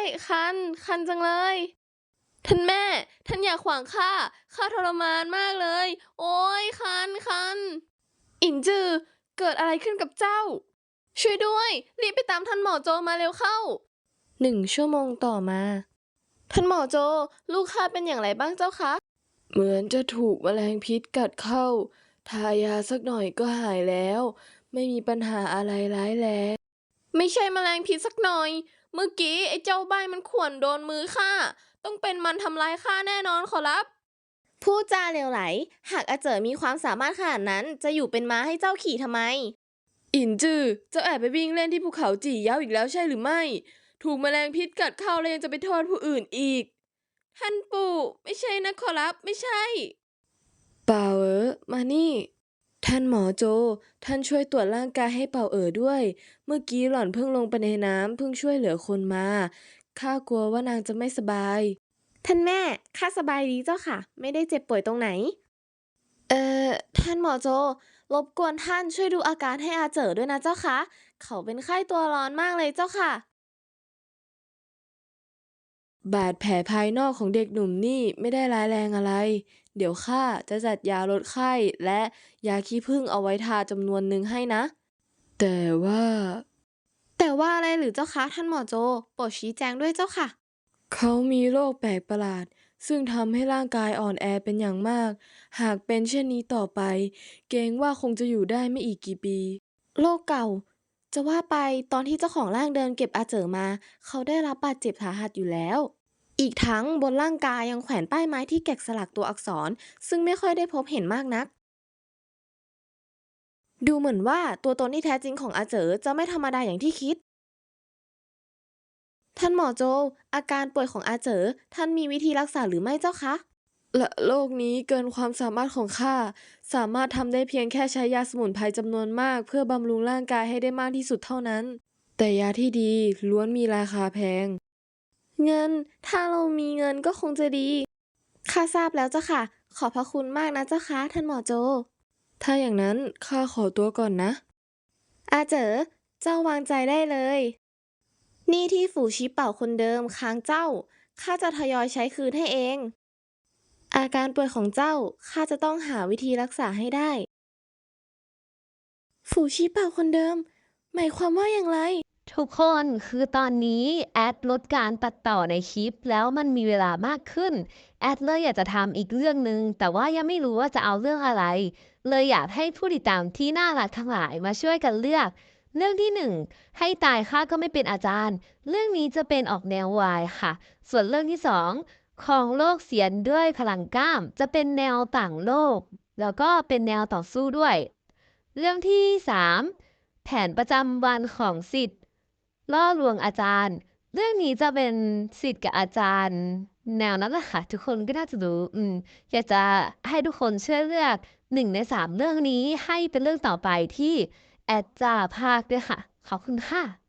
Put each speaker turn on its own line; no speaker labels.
คันจังเลยท่านแม่ท่านอย่าขวางข้าทรมานมากเลยโอ้ยคันอินจือเกิดอะไรขึ้นกับเจ้าช่วยด้วยรีบไปตามท่านหมอโจมาเร็วเข้า1 ชั่วโมงต่อมาท่านหมอโจลูกข้าเป็นอย่างไรบ้างเจ้าคะเหมือนจะถูกแมลงพิษกัดเข้าทายาสักหน่อยก็หายแล้วไม่มีปัญหาอะไรร้ายแรงไม่ใช่แมลงพิษสักหน่อยเมื่อกี้ไอ้เจ้าใบมันข่วนโดนมือข้าต้องเป็นมันทำร้ายข้าแน่นอนขอรับพูดจาเหลวไหลหากอาเจ๋อมีความสามารถขนาดนั้นจะอยู่เป็นม้าให้เจ้าขี่ทำไมอินจือเจ้าแอบไปวิ่งเล่นที่ภูเขาจี่เย้าอีกแล้วใช่หรือไม่ถูกแมลงพิษกัดเข้าแล้วยังจะไปโทษผู้อื่นอีกท่านปู่ไม่ใช่นะขอรับไม่ใช่เป่าเอ๋อมานี่ท่านหมอโจท่านช่วยตรวจร่างกายให้เป่าเอ๋อด้วยเมื่อกี้หล่อนเพิ่งลงไปในน้ำเพิ่งช่วยเหลือคนมาข้ากลัวว่านางจะไม่สบายท่านแม่ข้าสบายดีเจ้าค่ะไม่ได้เจ็บป่วยตรงไหนเอ่อท่านหมอโจรบกวนท่านช่วยดูอาการให้อาเจ๋อด้วยนะเจ้าคะเขาเป็นไข้ตัวร้อนมากเลยเจ้าค่ะบาดแผลภายนอกของเด็กหนุ่มนี่ไม่ได้ร้ายแรงอะไรเดี๋ยวข้าจะจัดยาลดไข้และยาขี้ผึ้งเอาไว้ทาจำนวนหนึ่งให้นะแต่ว่าอะไรหรือเจ้าคะท่านหมอโจโปรดชี้แจงด้วยเจ้าค่ะเขามีโรคแปลกประหลาดซึ่งทำให้ร่างกายอ่อนแอเป็นอย่างมากหากเป็นเช่นนี้ต่อไปเกรงว่าคงจะอยู่ได้ไม่อีกกี่ปีโรคเก่าจะว่าไปตอนที่เจ้าของร่างเดินเก็บอาเจ๋อมาเขาได้รับบาดเจ็บสาหัสอยู่แล้วอีกทั้งบนร่างกายยังแขวนป้ายไม้ที่แกะสลักตัวอักษรซึ่งไม่ค่อยได้พบเห็นมากนักดูเหมือนว่าตัวตนที่แท้จริงของอาเจ๋อจะไม่ธรรมดาอย่างที่คิด ท่านหมอโจอาการป่วยของอาเจ๋อท่านมีวิธีรักษาหรือไม่เจ้าคะและโรคนี้เกินความสามารถของข้าสามารถทำได้เพียงแค่ใช้ยาสมุนไพรจำนวนมากเพื่อบำรุงร่างกายให้ได้มากที่สุดเท่านั้นแต่ยาที่ดีล้วนมีราคาแพงเงินถ้าเรามีเงินก็คงจะดีข้าทราบแล้วเจ้าค่ะขอบพระคุณมากนะเจ้าคะท่านหมอโจถ้าอย่างนั้นข้าขอตัวก่อนนะอาเจ๋อเจ้าวางใจได้เลย หนี้ที่ฝูชิเป่าคนเดิมค้างเจ้าข้าจะทยอยใช้คืนให้เอง อาการป่วยของเจ้าข้าจะต้องหาวิธีรักษาให้ได้ ฝูชิเป่าคนเดิมหมายความว่าอย่างไร
ทุกคนคือตอนนี้แอดลดการตัดต่อในคลิปแล้วมันมีเวลามากขึ้นแอดเลยอยากจะทำอีกเรื่องหนึ่งแต่ว่ายังไม่รู้ว่าจะเอาเรื่องอะไรเลยอยากให้ผู้ติดตามที่น่ารักทั้งหลายมาช่วยกันเลือกเรื่องที่1ให้ตายข้าก็ไม่เป็นอาจารย์เรื่องนี้จะเป็นออกแนววายค่ะส่วนเรื่องที่2ของโลกเสียนด้วยพลังกล้ามจะเป็นแนวต่างโลกแล้วก็เป็นแนวต่อสู้ด้วยเรื่องที่3แผนประจำวันของศิษย์ ล่อลวงอาจารย์ เรื่องนี้จะเป็นศิษย์กับอาจารย์แนวนั้นแหละค่ะทุกคนก็น่าจะรู้อยากจะให้ทุกคนช่วยเลือก1 ใน 3เรื่องนี้ให้เป็นเรื่องต่อไปที่แอดจะพากด้วยค่ะขอบคุณค่ะ